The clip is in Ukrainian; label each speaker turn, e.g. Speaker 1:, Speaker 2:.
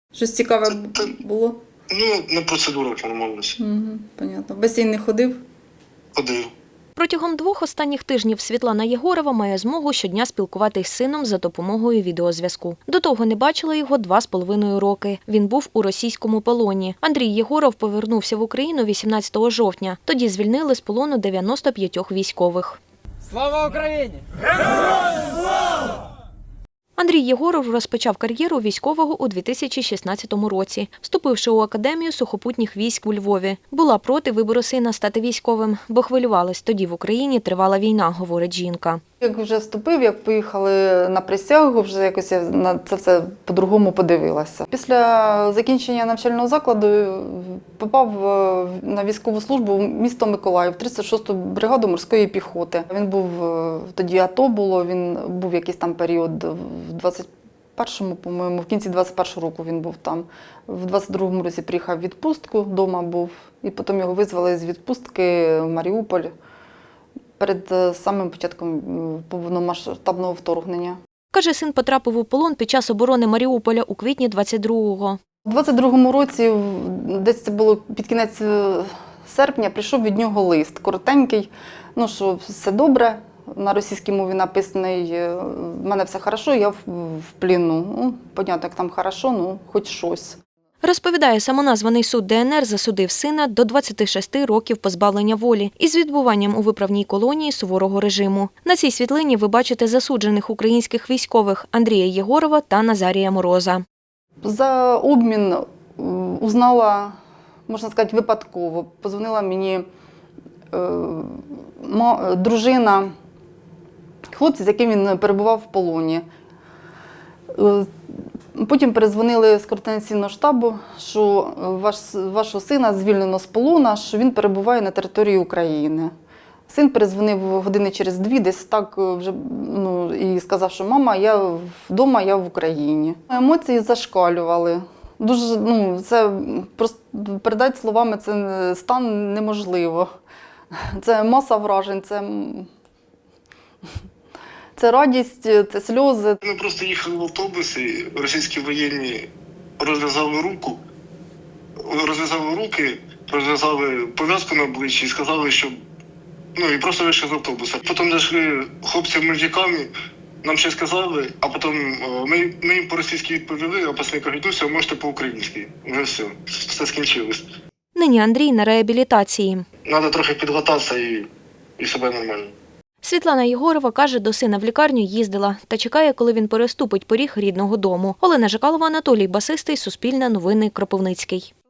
Speaker 1: Щось цікаве було?
Speaker 2: Ну, на процедурах нормальність.
Speaker 1: Понятно. В басейн не ходив?
Speaker 2: Ходив.
Speaker 3: Протягом 2 останніх тижнів Світлана Єгорова має змогу щодня спілкуватись з сином за допомогою відеозв'язку. До того не бачила його 2,5 роки. Він був у російському полоні. Андрій Єгоров повернувся в Україну 18 жовтня. Тоді звільнили з полону 95 військових.
Speaker 4: Слава Україні!
Speaker 3: Андрій Єгоров розпочав кар'єру військового у 2016 році, вступивши у Академію сухопутніх військ у Львові. Була проти вибору сина стати військовим, бо хвилювалась, тоді в Україні тривала війна, говорить жінка.
Speaker 1: Як вже вступив, як поїхали на присягу, вже якось я на це все по-другому подивилася. Після закінчення навчального закладу попав на військову службу в місто Миколаїв, 36-ту бригаду морської піхоти. Він був, тоді АТО було, він був якийсь там період в 21-му, по-моєму, в кінці 21-го року він був там. В 22-му році приїхав в відпустку, вдома був, і потім його визвали з відпустки в Маріуполь перед самим початком повномасштабного вторгнення.
Speaker 3: Каже, син потрапив у полон під час оборони Маріуполя у квітні 22-го.
Speaker 1: У 22-му році, десь це було під кінець серпня, прийшов від нього лист коротенький, що все добре, на російській мові написаний, в мене все хорошо, я в пліну. Понятно, як там хорошо, хоч щось.
Speaker 3: Розповідає, самоназваний суд ДНР засудив сина до 26 років позбавлення волі із відбуванням у виправній колонії суворого режиму. На цій світлині ви бачите засуджених українських військових Андрія Єгорова та Назарія Мороза.
Speaker 1: За обмін узнала, можна сказати, випадково. Позвонила мені дружина хлопця, з яким він перебував в полоні. Потім передзвонили з координаційного штабу, що вашого сина звільнено з полону, що він перебуває на території України. Син передзвонив години через 2, десь так вже, і сказав, що мама, я вдома, я в Україні. Емоції зашкалювали. Дуже, це просто передати словами, це стан неможливо. Це маса вражень, це радість, це сльози.
Speaker 2: Ми просто їхали в автобусі, російські воєнні розв'язали руки, розв'язали пов'язку на обличчі і сказали, що і просто вийшли з автобуса. Потім зайшли хлопці в мультикамі, нам ще сказали, а потім ми їм по-російськи відповіли, а після кажуть, все, можете по-українськи. Вже все скінчилось.
Speaker 3: Нині Андрій на реабілітації.
Speaker 2: Треба трохи підготуватися і себе нормально.
Speaker 3: Світлана Єгорова каже, до сина в лікарню їздила та чекає, коли він переступить поріг рідного дому. Олена Жакалова, Анатолій Басистий, Суспільне новини, Кропивницький.